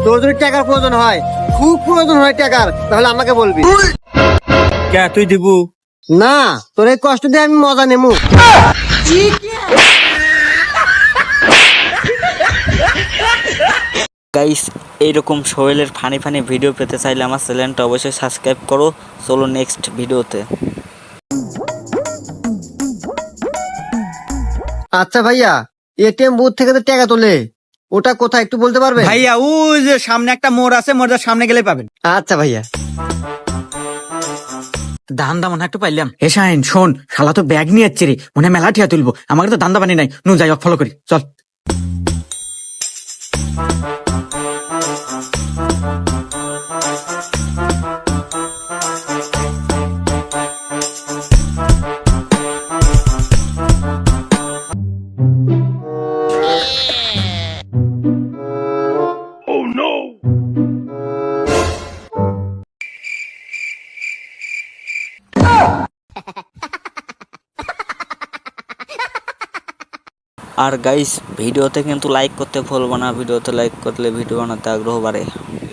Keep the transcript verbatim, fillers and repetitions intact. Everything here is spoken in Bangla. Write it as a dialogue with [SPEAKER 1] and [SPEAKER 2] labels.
[SPEAKER 1] তোর যদি টাকার প্রয়োজন হয়, খুব প্রয়োজন হয় টাকার, তাহলে আমাকে বলবি।
[SPEAKER 2] কে তুই দিবু?
[SPEAKER 1] না, তোর এই কষ্ট দিয়ে আমি মজা নেবো।
[SPEAKER 3] গাইস, এইরকম সোহেলের ফানি ফানি ভিডিও পেতে চাইলে আমার চ্যানেলটা অবশ্যই সাবস্ক্রাইব করো। চলো নেক্সট ভিডিওতে।
[SPEAKER 1] আচ্ছা ভাইয়া, এটিএম বুথ থেকে তো টাকা তোলে, ওটা কোথায় একটু বলতে পারবে?
[SPEAKER 2] ভাইয়া ওই যে সামনে একটা মোড় আছে, মোড়ের সামনে গেলে পাবেন।
[SPEAKER 1] আচ্ছা ভাইয়া।
[SPEAKER 4] দান্দা মনে হয় একটু পাইলাম। এ শাহিন শোন, শালা তো ব্যাগ নিয়ে যাচ্ছে রে, মনে হয় মেলা ঠিয়া তুলবো। আমাকে তো দান্দা বানি নাই, নু যাই ফলো করি, চল।
[SPEAKER 3] আর গাইস, ভিডিওতে কিন্তু লাইক করতে ভুলবো না। ভিডিওতে লাইক করলে ভিডিও বানাতে আগ্রহ বাড়ে।